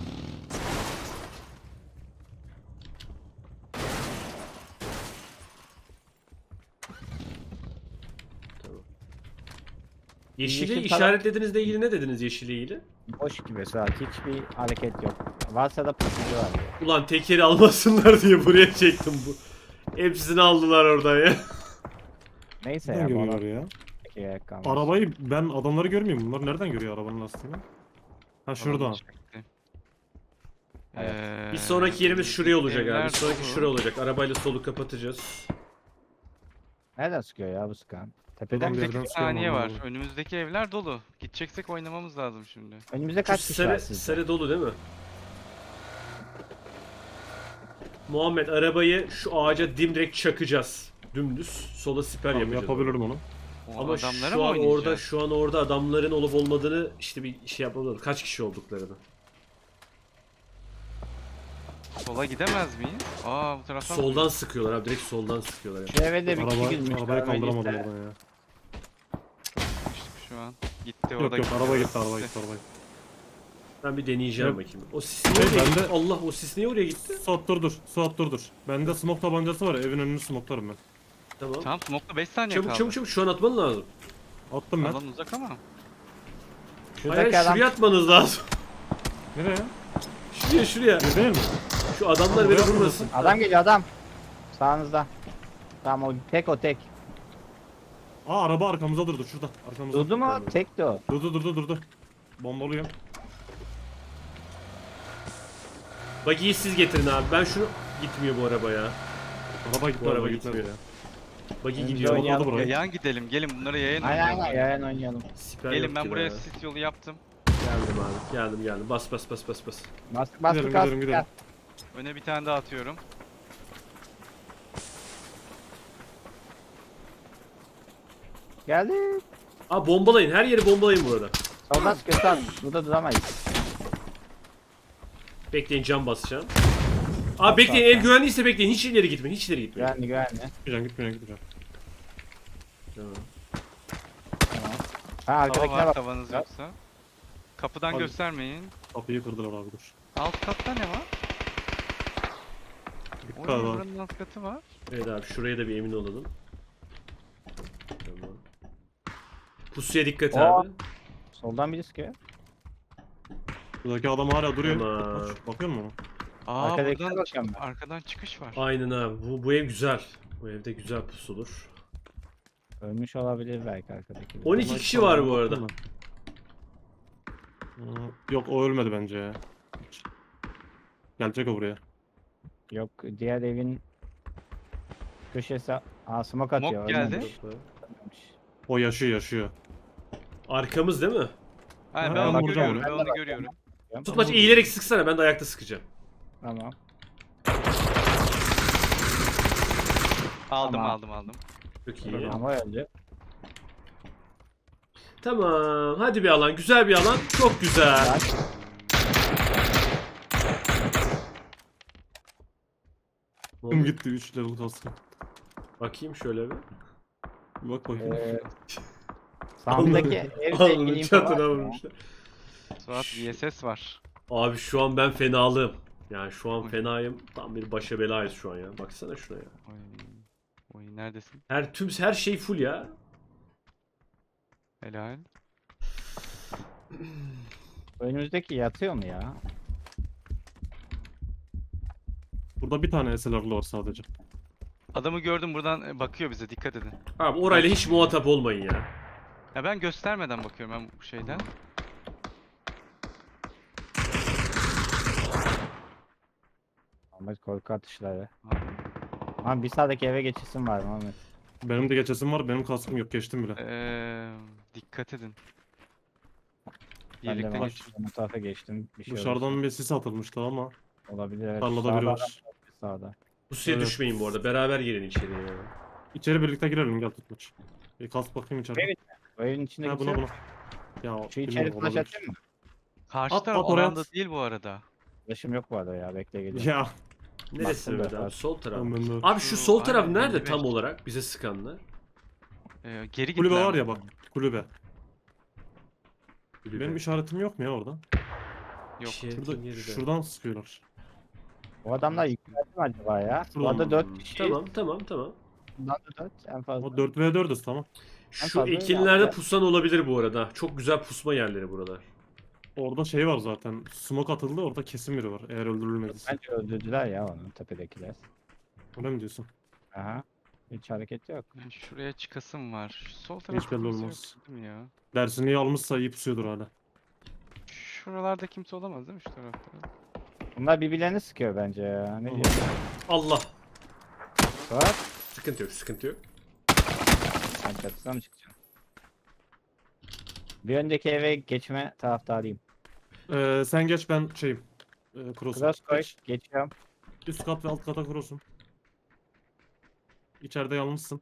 [SPEAKER 2] Tamam. Yeşili
[SPEAKER 1] Yeşil falan-
[SPEAKER 2] işaretlediğinizle ilgili ne dediniz yeşille ilgili?
[SPEAKER 1] Boş gibi Suat. Hiçbir hareket yok. Varsa da pusucu var.
[SPEAKER 2] Ulan tekeri almasınlar diye buraya çektim bu. Hepsini aldılar oradan ya.
[SPEAKER 1] Neyse
[SPEAKER 4] Nereden
[SPEAKER 1] ya. Bu
[SPEAKER 4] görüyorlar
[SPEAKER 1] adam
[SPEAKER 4] ya?
[SPEAKER 1] peki gerek kalmaz.
[SPEAKER 4] Arabayı ben adamları görmüyorum. Bunlar nereden görüyor arabanın lastiğini? Ha şurada.
[SPEAKER 3] Alanı çekti.
[SPEAKER 1] Evet.
[SPEAKER 3] Ee,
[SPEAKER 2] Bir sonraki yerimiz şuraya olacak abi.
[SPEAKER 3] evler
[SPEAKER 2] Bir sonraki
[SPEAKER 3] dolu.
[SPEAKER 2] şuraya olacak. Arabayla solu kapatacağız.
[SPEAKER 1] Nereden sıkıyor ya bu sıkan? Tepeden
[SPEAKER 4] Adam
[SPEAKER 1] mi
[SPEAKER 4] bir
[SPEAKER 1] sıkıyor?
[SPEAKER 4] yerden
[SPEAKER 3] Bir saniye var.
[SPEAKER 4] anlamadım.
[SPEAKER 3] Önümüzdeki evler dolu. Gideceksek oynamamız lazım şimdi.
[SPEAKER 1] Önümüzde
[SPEAKER 2] Şu
[SPEAKER 1] kaç kişi var
[SPEAKER 2] sarı,
[SPEAKER 1] sizde?
[SPEAKER 2] sarı dolu değil mi? Muhammed arabayı şu ağaca dimdirek çakacağız. Dümdüz. Sola siper
[SPEAKER 4] Tamam,
[SPEAKER 2] yapacağız.
[SPEAKER 4] yapabilirim onu.
[SPEAKER 3] O
[SPEAKER 2] Ama
[SPEAKER 3] adamlara
[SPEAKER 2] şu
[SPEAKER 3] mı
[SPEAKER 2] an
[SPEAKER 3] oynayacağız?
[SPEAKER 2] orada şu an orada adamların olup olmadığını işte bir şey yapmamız lazım. Kaç kişi olduklarını.
[SPEAKER 3] Sola gidemez miyiz? Aa bu taraftan mı
[SPEAKER 2] Soldan sıkıyorlar abi. Direkt soldan sıkıyorlar. Yani.
[SPEAKER 1] Şu eve de bir kişi
[SPEAKER 4] Araba,
[SPEAKER 1] girmiş.
[SPEAKER 4] arabayı
[SPEAKER 1] görmediyse.
[SPEAKER 4] kaldıramadım oradan ya.
[SPEAKER 3] gitmiştik şu an? Gitti o
[SPEAKER 4] Yok
[SPEAKER 3] da
[SPEAKER 4] yok
[SPEAKER 3] gitti.
[SPEAKER 4] araba gitti araba gitti araba gitti.
[SPEAKER 2] Ben bir deneyeceğim
[SPEAKER 4] Evet.
[SPEAKER 2] bakayım. O sis niye oraya
[SPEAKER 4] Ben
[SPEAKER 2] gitti?
[SPEAKER 4] de-
[SPEAKER 2] Allah o sis niye oraya gitti?
[SPEAKER 4] Suat dur dur. Suat dur dur. Bende smoke tabancası var ya, evin önünü smoklarım ben.
[SPEAKER 2] Tamam.
[SPEAKER 3] Tamam smoke'la beş saniye
[SPEAKER 2] Çabuk
[SPEAKER 3] kaldı.
[SPEAKER 2] çabuk çabuk şu an atman lazım.
[SPEAKER 4] Attım ben.
[SPEAKER 3] Alan uzak ama.
[SPEAKER 1] Şuradaki
[SPEAKER 2] Hayır
[SPEAKER 1] adam
[SPEAKER 2] şuraya atmanız lazım.
[SPEAKER 4] Nereye?
[SPEAKER 2] Şuraya şuraya.
[SPEAKER 4] Bir değil mi?
[SPEAKER 2] Şu adamlar
[SPEAKER 4] Buraya
[SPEAKER 2] beni
[SPEAKER 4] atmadın.
[SPEAKER 2] vurmasın.
[SPEAKER 1] adam geliyor adam. Sağınızda. Tamam o tek o tek.
[SPEAKER 4] Aa araba arkamıza durdu şurada. Arkamızda.
[SPEAKER 1] Durdu mu?
[SPEAKER 2] Tamam.
[SPEAKER 1] Tekti o.
[SPEAKER 4] Durdu durdu durdu. Bombalıyım.
[SPEAKER 2] Buggy'yi siz getirin abi. Ben şunu gitmiyor bu araba ya.
[SPEAKER 4] Araba gitti
[SPEAKER 2] Bu araba
[SPEAKER 4] araba gitmedi
[SPEAKER 2] gitmiyor.
[SPEAKER 4] ya.
[SPEAKER 2] Buggy
[SPEAKER 1] Önce
[SPEAKER 2] gidiyor.
[SPEAKER 1] oynayalım.
[SPEAKER 4] Orada burayı.
[SPEAKER 3] Yayan gidelim. Gelin bunları yayın
[SPEAKER 1] Aynen
[SPEAKER 3] oynayalım.
[SPEAKER 1] aynen yayın oynayalım.
[SPEAKER 2] Siper
[SPEAKER 3] Gelin
[SPEAKER 2] yok
[SPEAKER 3] ben
[SPEAKER 2] ki
[SPEAKER 3] buraya
[SPEAKER 2] be.
[SPEAKER 3] sis yolu yaptım.
[SPEAKER 2] Geldim abi. Geldim geldim. Bas bas bas bas bas.
[SPEAKER 1] Bas bas
[SPEAKER 4] Gidelim,
[SPEAKER 1] kas.
[SPEAKER 4] gidelim, gidelim.
[SPEAKER 3] Öne bir tane daha atıyorum.
[SPEAKER 1] Geldi.
[SPEAKER 2] Aa bombalayın. Her yeri bombalayın bu arada.
[SPEAKER 1] Soldan sıkıyor Suat. Burada duramayız.
[SPEAKER 2] Bekleyin cam basacağım. Abi bekleyin ev güvenliyse bekleyin. Hiç ileri gitmeyin. Hiç ileri gitmeyin.
[SPEAKER 1] Güvenli güvenli.
[SPEAKER 4] Gitmeyeceğim gitmeyeceğim gitmeyeceğim.
[SPEAKER 2] Tamam.
[SPEAKER 1] Tamam. Ha
[SPEAKER 3] Tava
[SPEAKER 1] arkadakine
[SPEAKER 3] var
[SPEAKER 1] bak.
[SPEAKER 3] tavanız
[SPEAKER 1] Bak.
[SPEAKER 3] yoksa. Kapıdan
[SPEAKER 4] Abi.
[SPEAKER 3] göstermeyin.
[SPEAKER 4] Kapıyı kırdılar abi dur.
[SPEAKER 3] Alt katta ne var?
[SPEAKER 4] Dikkat
[SPEAKER 3] Oy
[SPEAKER 4] abi.
[SPEAKER 3] buranın alt katı var.
[SPEAKER 2] Evet abi şuraya da bir emin olalım. Tamam. Pusuya dikkat
[SPEAKER 1] Oo.
[SPEAKER 2] abi.
[SPEAKER 1] Soldan biri sıkıyor.
[SPEAKER 4] Buradaki adam hala duruyor.
[SPEAKER 2] Tamam.
[SPEAKER 4] Bak, bakıyor musun?
[SPEAKER 3] Aa
[SPEAKER 1] Arkadakine
[SPEAKER 3] buradan
[SPEAKER 1] bakıyorum
[SPEAKER 3] çık-
[SPEAKER 1] ben.
[SPEAKER 3] arkadan çıkış var.
[SPEAKER 2] Aynen abi. Bu, bu ev güzel. Bu evde güzel pusulur.
[SPEAKER 1] Ölmüş olabilir belki arkadaki.
[SPEAKER 2] on iki kişi var bu arada.
[SPEAKER 4] Hmm, Yok o ölmedi bence ya. Gelecek o buraya.
[SPEAKER 1] Yok diğer evin köşesi. Aa smoke atıyor.
[SPEAKER 3] Smoke geldi.
[SPEAKER 1] ölmemiş.
[SPEAKER 4] O yaşıyor yaşıyor.
[SPEAKER 2] Arkamız değil mi?
[SPEAKER 3] Hayır
[SPEAKER 4] Ha,
[SPEAKER 3] ben
[SPEAKER 4] ben
[SPEAKER 3] onu
[SPEAKER 4] vuracağım
[SPEAKER 3] görüyorum. Ben
[SPEAKER 1] onu.
[SPEAKER 3] onu görüyorum.
[SPEAKER 2] Tutmaç eğilerek sıksana ben de ayakta sıkacağım.
[SPEAKER 1] Tamam.
[SPEAKER 3] Aldım
[SPEAKER 1] Tamam.
[SPEAKER 3] aldım aldım.
[SPEAKER 2] Çok iyi.
[SPEAKER 1] Ama öldü.
[SPEAKER 2] Tamam. Hadi bir alan. Güzel bir alan. Çok güzel.
[SPEAKER 1] Bak.
[SPEAKER 2] Ne
[SPEAKER 4] Tüm
[SPEAKER 2] oldu?
[SPEAKER 4] gitti üç level kaskı.
[SPEAKER 2] Bakayım şöyle bir.
[SPEAKER 4] Bir bak bakayım.
[SPEAKER 1] Ee, sağımdaki evle ilgili
[SPEAKER 2] Alnının
[SPEAKER 1] info
[SPEAKER 2] çatına
[SPEAKER 1] var mı?
[SPEAKER 2] vurmuşlar.
[SPEAKER 3] Suat V S S var.
[SPEAKER 2] Abi şu an ben fenalığım. Yani şu an fenayım. Tam bir başa belayız şu an ya. Baksana şuna ya.
[SPEAKER 3] Oy. Oy neredesin?
[SPEAKER 2] Her tüm her şey full ya.
[SPEAKER 3] Helal.
[SPEAKER 1] Önümüzdeki yatıyor mu ya?
[SPEAKER 4] Burada bir tane S L R'lı var sadece.
[SPEAKER 3] Adamı gördüm buradan e, bakıyor bize dikkat edin.
[SPEAKER 2] Abi orayla hiç muhatap olmayın ya.
[SPEAKER 3] Ya ben göstermeden bakıyorum ben bu şeyden.
[SPEAKER 1] Ahmet korku atışları.
[SPEAKER 3] Abi,
[SPEAKER 1] Ama bir sağdaki eve geçisim var mı Ahmet?
[SPEAKER 4] Benim de geçesim var. Benim kaskım yok. Geçtim bile.
[SPEAKER 3] Eee dikkat edin.
[SPEAKER 1] Ben de
[SPEAKER 3] Birlikte
[SPEAKER 1] ben
[SPEAKER 3] geç.
[SPEAKER 1] bu tarafa geçtim. Bir şey
[SPEAKER 4] Dışarıdan bir sis atılmıştı ama.
[SPEAKER 1] olursa olabilir. Evet.
[SPEAKER 4] Tarlada
[SPEAKER 1] Sağda
[SPEAKER 4] biri
[SPEAKER 1] adam
[SPEAKER 4] var.
[SPEAKER 1] Sağda.
[SPEAKER 2] Bu suya
[SPEAKER 4] Evet.
[SPEAKER 2] düşmeyin bu arada. Beraber girin içeriye ya.
[SPEAKER 4] İçeri birlikte girelim gel tutmaç. Bir kas bakayım içeride.
[SPEAKER 1] Evet. O evin içinde
[SPEAKER 4] Ha
[SPEAKER 1] kimse
[SPEAKER 4] buna
[SPEAKER 1] yok.
[SPEAKER 4] buna. Ya
[SPEAKER 1] Şu içeri
[SPEAKER 4] bilmiyorum,
[SPEAKER 1] flash
[SPEAKER 4] olabilir.
[SPEAKER 1] atayım mı?
[SPEAKER 3] Karşı
[SPEAKER 4] At,
[SPEAKER 3] taraf
[SPEAKER 4] at oraya
[SPEAKER 3] alanda
[SPEAKER 4] at.
[SPEAKER 3] değil bu arada.
[SPEAKER 1] Flash'ım yok bu arada ya. Bekle geliyorum.
[SPEAKER 4] Ya.
[SPEAKER 2] Neresi
[SPEAKER 1] Baktım
[SPEAKER 2] Mehmet
[SPEAKER 1] da
[SPEAKER 2] abi?
[SPEAKER 1] var.
[SPEAKER 2] Sol taraf.
[SPEAKER 4] Tamam, ben de-
[SPEAKER 2] Abi şu
[SPEAKER 3] Şu-
[SPEAKER 2] sol taraf
[SPEAKER 3] aynen,
[SPEAKER 2] nerede
[SPEAKER 3] elli beş.
[SPEAKER 2] tam olarak bize sıkanlar?
[SPEAKER 3] Ee, geri
[SPEAKER 4] Kulübe
[SPEAKER 3] gittiler
[SPEAKER 4] var ya
[SPEAKER 3] mi?
[SPEAKER 4] bak. Kulübe.
[SPEAKER 2] Kulübe.
[SPEAKER 4] Benim işaretim yok mu ya orada?
[SPEAKER 3] Yok.
[SPEAKER 2] Şey-
[SPEAKER 4] Şurada,
[SPEAKER 2] Yakın geride.
[SPEAKER 4] şuradan sıkıyorlar.
[SPEAKER 1] O adamlar yükseldi mi acaba ya? Bu
[SPEAKER 4] Şuradan.
[SPEAKER 1] arada dört kişi.
[SPEAKER 2] Tamam tamam tamam.
[SPEAKER 1] Bundan da dört en fazla.
[SPEAKER 4] O dört ve dördüz tamam.
[SPEAKER 2] Şu
[SPEAKER 1] fazla
[SPEAKER 2] ekinlerde
[SPEAKER 1] ya.
[SPEAKER 2] pusan olabilir bu arada. Çok güzel pusma yerleri buralar.
[SPEAKER 4] Orada şey var zaten. Smoke atıldı orada kesin biri var. Eğer öldürülmediyse.
[SPEAKER 1] Bence öldürdüler ya onu tepedekiler.
[SPEAKER 4] Öyle mi diyorsun?
[SPEAKER 1] Aha. Hiç hareket yok.
[SPEAKER 3] Ben şuraya çıkasım var. Şu sol tarafta
[SPEAKER 4] belli
[SPEAKER 3] kimse
[SPEAKER 4] olmaz.
[SPEAKER 3] yok değil mi ya?
[SPEAKER 4] Dersini iyi almışsa iyi pusuyordur hala.
[SPEAKER 3] Şuralarda kimse olamaz değil mi şu tarafta?
[SPEAKER 1] Bunlar birbirlerini sıkıyor bence ya. Ne
[SPEAKER 4] Aha.
[SPEAKER 1] diyorsun?
[SPEAKER 2] Allah.
[SPEAKER 1] Suat.
[SPEAKER 2] Sıkıntı yok sıkıntı yok.
[SPEAKER 1] Sen çatısına mı çıkacaksın? Bir öndeki eve geçme taraftarıyım.
[SPEAKER 4] Ee, sen geç ben şeyim. Ee, cross'um.
[SPEAKER 1] Cross koy.
[SPEAKER 4] Geç.
[SPEAKER 1] Geçiyorum.
[SPEAKER 4] Üst kat ve alt kata cross'um. İçeride yalnızsın.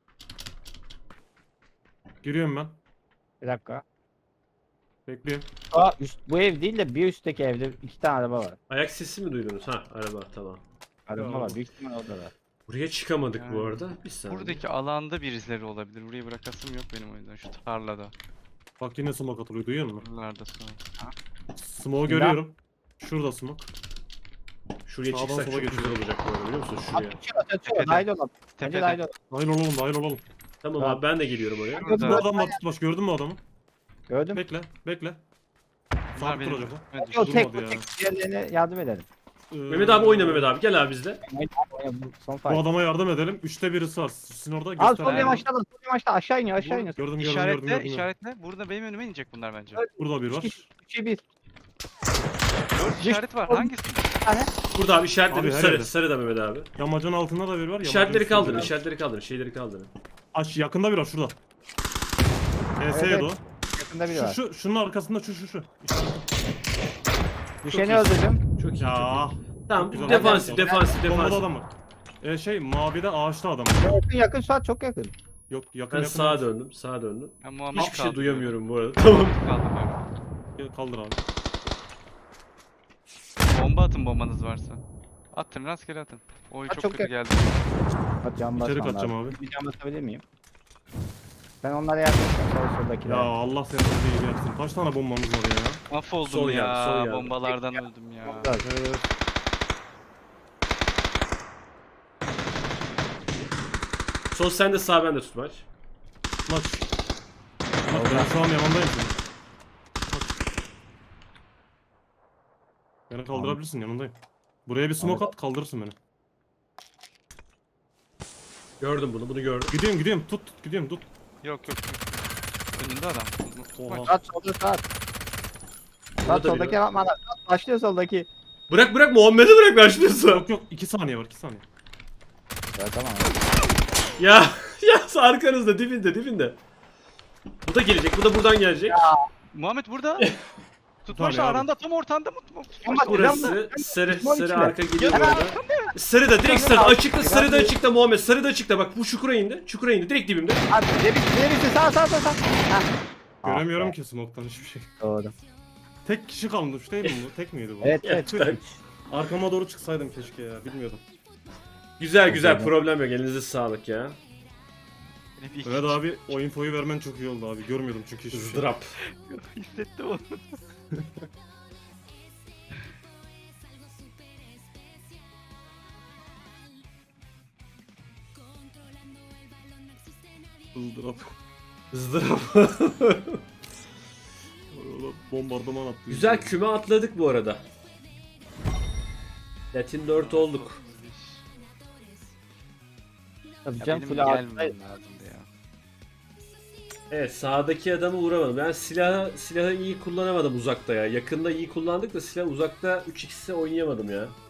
[SPEAKER 4] Giriyorum ben.
[SPEAKER 1] Bir dakika.
[SPEAKER 4] Bekliyorum.
[SPEAKER 1] Aa, üst, bu ev değil de bir üstteki evde iki tane araba var.
[SPEAKER 2] Ayak sesi mi duydunuz? Ha araba tamam.
[SPEAKER 1] Araba
[SPEAKER 4] Ya.
[SPEAKER 1] var. Büyük ihtimal orada da.
[SPEAKER 2] Buraya çıkamadık bu
[SPEAKER 3] Yani
[SPEAKER 2] arada. Bir saniye.
[SPEAKER 3] Buradaki alanda birileri olabilir. Burayı bırakasım yok benim o yüzden. Şu tarlada.
[SPEAKER 4] Bak yine smoke atılıyor duyuyor musun?
[SPEAKER 3] Buralarda sonra.
[SPEAKER 4] Smoke'u görüyorum. Şurada smoke.
[SPEAKER 2] Şuraya
[SPEAKER 4] Sağdan
[SPEAKER 2] çıksak
[SPEAKER 4] sola
[SPEAKER 2] çok güzel
[SPEAKER 4] geçiyor.
[SPEAKER 2] olacak bu arada biliyor musun? Şuraya.
[SPEAKER 1] Atıyor atıyor.
[SPEAKER 3] Tepede.
[SPEAKER 1] Dahil olalım. Bence
[SPEAKER 3] Tepede.
[SPEAKER 1] dahil olalım.
[SPEAKER 4] Dahil olalım dahil olalım.
[SPEAKER 2] Tamam
[SPEAKER 1] Tamam.
[SPEAKER 2] abi ben de geliyorum oraya.
[SPEAKER 1] Gördün
[SPEAKER 4] Bu
[SPEAKER 1] mü?
[SPEAKER 4] adam var tutmaş gördün mü adamı?
[SPEAKER 1] Gördüm.
[SPEAKER 4] Bekle bekle.
[SPEAKER 3] Bunlar
[SPEAKER 4] Sabit
[SPEAKER 3] benim.
[SPEAKER 4] duracak o.
[SPEAKER 3] Evet,
[SPEAKER 1] O tek
[SPEAKER 4] durmadı
[SPEAKER 1] bu
[SPEAKER 4] ya.
[SPEAKER 1] tek. Diğerlerine yardım edelim.
[SPEAKER 4] Ee,
[SPEAKER 2] Mehmet abi oyna Mehmet abi gel abi bizle.
[SPEAKER 1] Son
[SPEAKER 4] Bu
[SPEAKER 1] fight.
[SPEAKER 4] adama yardım edelim. Üçte birisi var. Sizin orada
[SPEAKER 1] Al
[SPEAKER 4] göster.
[SPEAKER 1] sol
[SPEAKER 3] Aynen.
[SPEAKER 1] yamaçta da sol yamaçta aşağı iniyor aşağı iniyor.
[SPEAKER 4] Gördüm gördüm gördüm.
[SPEAKER 3] İşaretle,
[SPEAKER 4] gördüm, gördüm.
[SPEAKER 3] işaretle. Burada benim önüme inecek bunlar bence.
[SPEAKER 4] Burada bir var.
[SPEAKER 1] üçe bir.
[SPEAKER 3] Dört işaret var. Hangisi?
[SPEAKER 1] Bir tane.
[SPEAKER 2] Burada abi işaretledim
[SPEAKER 4] Abi, her
[SPEAKER 2] sarı
[SPEAKER 4] yerde.
[SPEAKER 2] sarı da Mehmet abi.
[SPEAKER 4] Yamacın altında da bir var.
[SPEAKER 2] İşaretleri
[SPEAKER 4] yamacın
[SPEAKER 2] kaldırın
[SPEAKER 4] üstünde de
[SPEAKER 2] işaretleri kaldırın şeyleri kaldırın.
[SPEAKER 4] bir var. Aç yakında bir var şurada. E S
[SPEAKER 1] Evet.
[SPEAKER 4] o.
[SPEAKER 1] Yakında biri
[SPEAKER 4] Şu,
[SPEAKER 1] var.
[SPEAKER 4] şu, şunun arkasında şu şu şu.
[SPEAKER 1] Düşeni
[SPEAKER 2] iyisin.
[SPEAKER 1] öldürdüm.
[SPEAKER 2] Çok iyi
[SPEAKER 4] Ya.
[SPEAKER 2] çok iyi. Tamam
[SPEAKER 4] güzel.
[SPEAKER 2] defansif defansif
[SPEAKER 4] Bombada
[SPEAKER 2] defansif.
[SPEAKER 4] adam var. E şey mavide ağaçta adam.
[SPEAKER 1] Yakın yakın Suat çok yakın.
[SPEAKER 4] Yok yakın
[SPEAKER 2] Ben
[SPEAKER 4] yakın.
[SPEAKER 2] sağa döndüm sağa döndüm.
[SPEAKER 3] Ben Muhammed
[SPEAKER 2] Hiçbir şey
[SPEAKER 3] kaldırıyorum.
[SPEAKER 2] duyamıyorum bu arada. Tamam.
[SPEAKER 3] Kaldırıyorum.
[SPEAKER 4] Kaldır abi.
[SPEAKER 3] Bomba atın bombanız varsa. Atın rastgele atın. Oy
[SPEAKER 1] Ha,
[SPEAKER 3] çok,
[SPEAKER 1] çok
[SPEAKER 3] kötü
[SPEAKER 1] yakın.
[SPEAKER 3] geldi.
[SPEAKER 1] Bak cam
[SPEAKER 4] İçeri
[SPEAKER 1] basmam
[SPEAKER 4] kaçacağım
[SPEAKER 1] lazım.
[SPEAKER 4] abi.
[SPEAKER 1] Bir cam basabilir miyim? Ben onlara yardım edeceğim. Sol soldakiler.
[SPEAKER 4] Ya Allah seni iyi yapsın. Kaç tane bombamız var ya?
[SPEAKER 3] Mahvoldum
[SPEAKER 2] Sol
[SPEAKER 3] ya.
[SPEAKER 2] geldi, sol geldi.
[SPEAKER 3] Bombalardan öldüm ya.
[SPEAKER 1] Onlar.
[SPEAKER 4] Evet.
[SPEAKER 2] Sol sen de sağ ben de tutmaç.
[SPEAKER 4] Maç. Bak ben şu an yanındayım senin. Beni kaldırabilirsin yanındayım. Buraya bir smoke at kaldırırsın beni.
[SPEAKER 2] Gördüm bunu bunu gördüm.
[SPEAKER 4] Gidiyorum gidiyorum tut tut gidiyorum tut.
[SPEAKER 3] Yok yok yok. Önünde adam.
[SPEAKER 4] Oha.
[SPEAKER 1] Suat solda Suat. Suat
[SPEAKER 2] Burada
[SPEAKER 1] soldaki
[SPEAKER 2] biri var.
[SPEAKER 1] yapma lan. Suat başlıyor soldaki.
[SPEAKER 2] Bırak bırak Muhammed'i bırak başlıyorsa.
[SPEAKER 4] Yok yok iki saniye var iki saniye.
[SPEAKER 1] Ya tamam.
[SPEAKER 2] Ya ya arkanızda dibinde dibinde. Bu da gelecek bu da buradan gelecek.
[SPEAKER 3] Muhammed burada. Tutmaç
[SPEAKER 4] Tabii abi.
[SPEAKER 3] aranda tam ortanda mı? Tutmaç
[SPEAKER 1] Ama
[SPEAKER 2] Burası sarı
[SPEAKER 1] Düşman
[SPEAKER 2] sarı
[SPEAKER 1] içine.
[SPEAKER 2] arka geliyor
[SPEAKER 1] Ya,
[SPEAKER 2] bu arada. Sarı da direkt sarı
[SPEAKER 1] Biraz-
[SPEAKER 2] açıkta
[SPEAKER 1] biraz
[SPEAKER 2] sarı da
[SPEAKER 1] bir-
[SPEAKER 2] açıkta Muhammed sarı da açıkta bak bu çukura indi çukura indi direkt dibimde.
[SPEAKER 1] Abi debi debi sağ sağ sağ sağ. Hah.
[SPEAKER 4] Göremiyorum
[SPEAKER 1] Ah be,
[SPEAKER 4] ki smoke'tan hiçbir şey.
[SPEAKER 1] Doğru.
[SPEAKER 4] Tek kişi kalmış değil mi bu? Tek miydi bu?
[SPEAKER 1] Evet evet.
[SPEAKER 2] Evet.
[SPEAKER 4] Arkama doğru çıksaydım keşke ya bilmiyordum.
[SPEAKER 2] Güzel güzel
[SPEAKER 1] Güzel.
[SPEAKER 2] problem yok elinize sağlık ya.
[SPEAKER 4] Evet abi o infoyu vermen çok iyi oldu abi. Görmüyordum çünkü hiçbir şey.
[SPEAKER 2] Izdırap.
[SPEAKER 3] Hissettim onu.
[SPEAKER 4] Izdırap.
[SPEAKER 2] Izdırap.
[SPEAKER 4] Bombardıman attı.
[SPEAKER 2] Güzel küme atladık bu arada. Latin dört olduk.
[SPEAKER 1] Tabii
[SPEAKER 3] Ya
[SPEAKER 1] can
[SPEAKER 3] benim
[SPEAKER 1] full ağzına.
[SPEAKER 3] gelmem lazımdı ya.
[SPEAKER 2] Evet sağdaki adamı vuramadım. Ben silahı silahı iyi kullanamadım uzakta ya. Yakında iyi kullandık da silah uzakta üç x'e oynayamadım ya.